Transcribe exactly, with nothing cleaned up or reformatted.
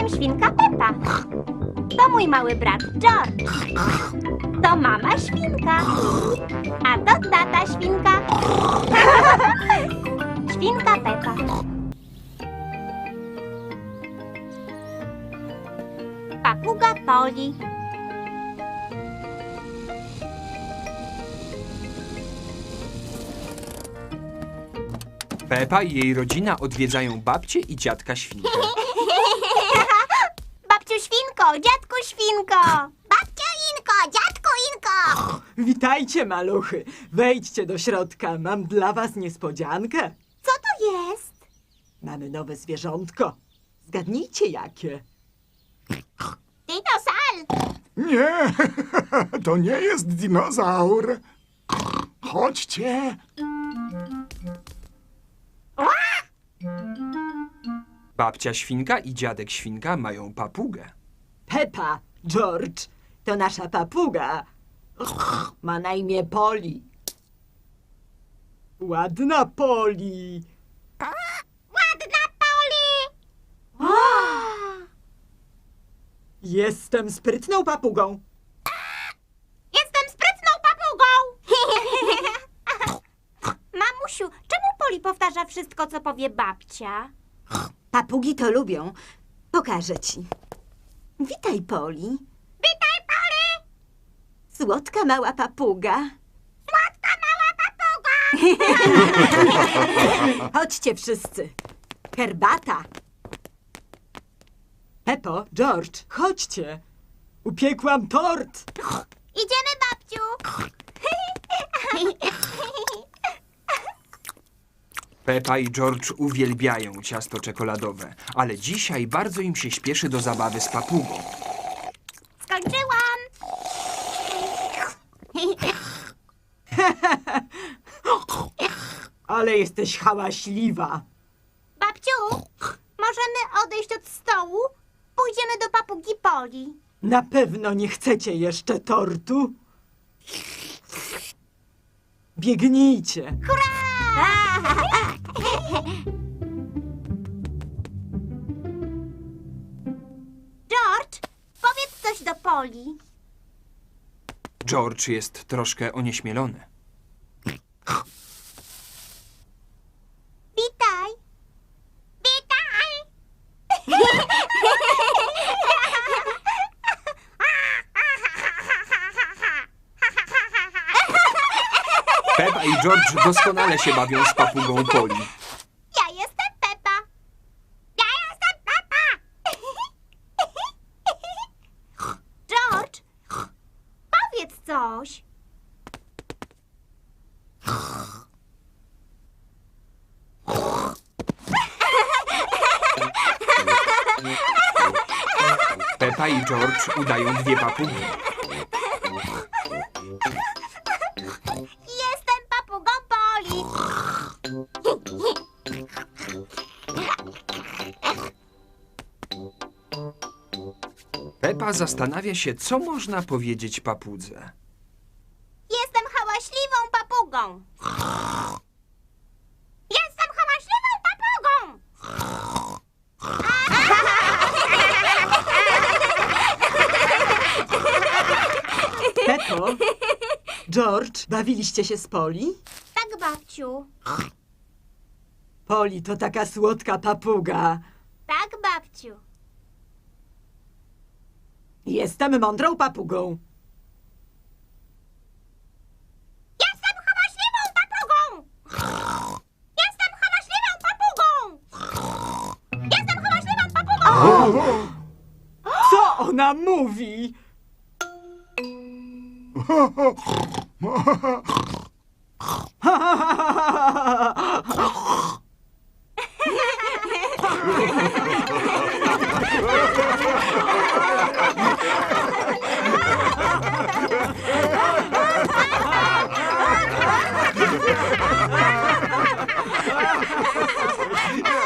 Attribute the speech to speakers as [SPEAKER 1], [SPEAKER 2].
[SPEAKER 1] Jestem świnka Pepa. To mój mały brat George. To mama świnka. A to tata świnka. Świnka Pepa. Papuga Poli.
[SPEAKER 2] Pepa i jej rodzina odwiedzają babcię i dziadka świnkę.
[SPEAKER 1] Babciu świnko, dziadku świnko. Babciu Inko, dziadku Inko.
[SPEAKER 3] Witajcie, maluchy. Wejdźcie do środka. Mam dla was niespodziankę.
[SPEAKER 1] Co to jest?
[SPEAKER 3] Mamy nowe zwierzątko. Zgadnijcie, jakie.
[SPEAKER 1] Dinosal.
[SPEAKER 4] Nie, to nie jest dinozaur. Chodźcie.
[SPEAKER 2] Babcia świnka i dziadek świnka mają papugę.
[SPEAKER 3] Pepa, George, to nasza papuga. Ma na imię Poli. Ładna Poli.
[SPEAKER 1] Ładna Poli.
[SPEAKER 3] Jestem sprytną papugą.
[SPEAKER 1] Jestem sprytną papugą. Mamusiu, czemu Poli powtarza wszystko, co powie babcia?
[SPEAKER 3] Papugi to lubią. Pokażę ci. Witaj, Poli.
[SPEAKER 1] Witaj, Poli.
[SPEAKER 3] Słodka mała papuga.
[SPEAKER 1] Słodka mała papuga.
[SPEAKER 3] Chodźcie wszyscy. Herbata. Pepo, George, chodźcie. Upiekłam tort.
[SPEAKER 1] Idziemy, babciu.
[SPEAKER 2] Pepa i George uwielbiają ciasto czekoladowe, ale dzisiaj bardzo im się śpieszy do zabawy z papugą.
[SPEAKER 1] Skończyłam.
[SPEAKER 3] Ale jesteś hałaśliwa.
[SPEAKER 1] Babciu, możemy odejść od stołu? Pójdziemy do papugi Poli.
[SPEAKER 3] Na pewno nie chcecie jeszcze tortu? Biegnijcie.
[SPEAKER 1] George, powiedz coś do Poli.
[SPEAKER 2] George jest troszkę onieśmielony.
[SPEAKER 1] Witaj. Witaj.
[SPEAKER 2] Pepa i George doskonale się bawią z papugą Poli.
[SPEAKER 1] Ja jestem Pepa. Ja jestem Pepa. George, powiedz coś.
[SPEAKER 2] Pepa i George udają dwie papugi.
[SPEAKER 1] Jestem papugą Poli.
[SPEAKER 2] Pepa zastanawia się, co można powiedzieć papudze.
[SPEAKER 1] Jestem hałaśliwą papugą. Jestem hałaśliwą papugą.
[SPEAKER 3] Pepo, George, bawiliście się z Poli?
[SPEAKER 1] Tak, babciu.
[SPEAKER 3] Poli to taka słodka papuga.
[SPEAKER 1] Tak, babciu.
[SPEAKER 3] Jestem mądrą papugą.
[SPEAKER 1] Jestem hałaśliwą papugą. Jestem hałaśliwą papugą. Jestem hałaśliwą papugą.
[SPEAKER 3] Co ona mówi?